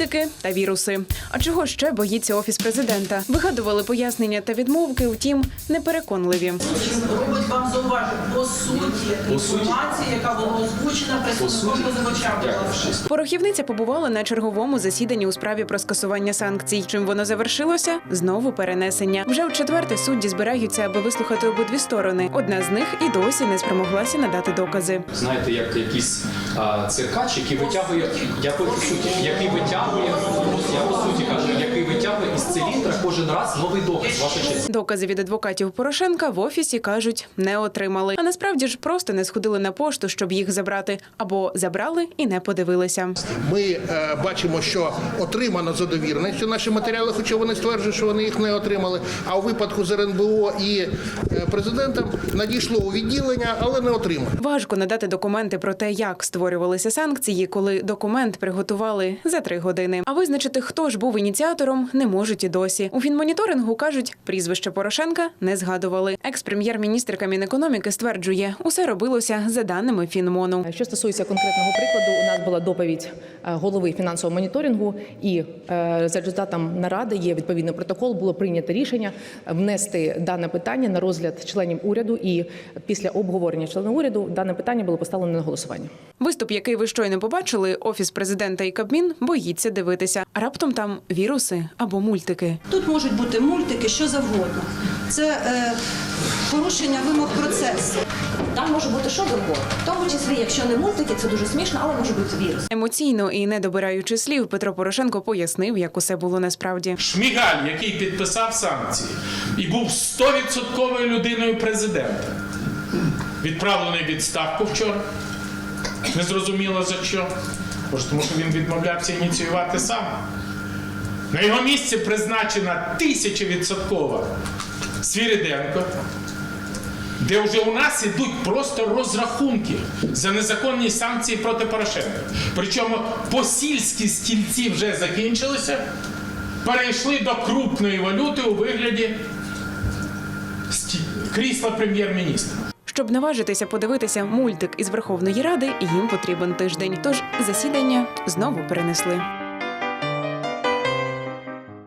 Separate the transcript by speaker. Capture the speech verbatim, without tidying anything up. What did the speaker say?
Speaker 1: мультики та віруси. А чого ще боїться Офіс президента? Вигадували пояснення та відмовки, втім, непереконливі.
Speaker 2: Робить вам зауваження по суті інформації, яка була озвучена представником позивача.
Speaker 1: Порохівниця побувала на черговому засіданні у справі про скасування санкцій. Чим воно завершилося? Знову перенесення. Вже в четверте судді збираються, аби вислухати обидві сторони. Одна з них і досі не спромоглася надати докази.
Speaker 3: Знаєте, як якийсь а, циркач, який витягує, я по суті, який витягує, я по суті кажу, який витягує із циліндра кожен раз новий доказ. Ваша честь.
Speaker 1: Докази від адвокатів Порошенка в Офісі, кажуть, не отримали. А насправді ж просто не сходили на пошту, щоб їх забрати. Або забрали і не подивилися.
Speaker 4: Ми е, бачимо, що отримано за довіреністю наші матеріали, хоча вони стверджують, що вони їх не отримали. А у випадку з ер ен бе о і е, президентом надійшло у відділення, але не отримано.
Speaker 1: Важко надати документи про те, як створювалися санкції, коли документ приготували за три години. А визначити, хто ж був ініціатором, не можуть і досі. У фінмоніторингу, кажуть, прізвище Порошенка не згадували. Екс-прем'єр-міністр Мінекономіки стверджує, усе робилося за даними Фінмону.
Speaker 5: Що стосується конкретного прикладу, у нас була доповідь голови фінансового моніторингу, і за результатом наради є відповідний протокол, було прийнято рішення внести дане питання на розгляд членів уряду, і після обговорення членів уряду дане питання було поставлено на голосування.
Speaker 1: Виступ, який ви щойно побачили, Офіс президента і Кабмін боїться дивитися. Раптом там віруси або мультики.
Speaker 6: Тут можуть бути мультики, що завгодно. Це е, порушення вимог процесу.
Speaker 7: Там може бути що завгодно. В тому числі, якщо не мультики, це дуже смішно, але може бути вірус.
Speaker 1: Емоційно і не добираючи слів, Петро Порошенко пояснив, як усе було насправді.
Speaker 8: Шмигаль, який підписав санкції і був сто відсотків людиною президента, відправлений в відставку вчора. Незрозуміло за що. Може, тому що він відмовлявся ініціювати сам. На його місці призначена тисячевідсоткова Свириденко, де вже у нас ідуть просто розрахунки за незаконні санкції проти Порошенка. Причому посільські стільці вже закінчилися, перейшли до крупної валюти у вигляді крісла прем'єр-міністра.
Speaker 1: Щоб наважитися подивитися мультик із Верховної Ради, їм потрібен тиждень. Тож засідання знову перенесли.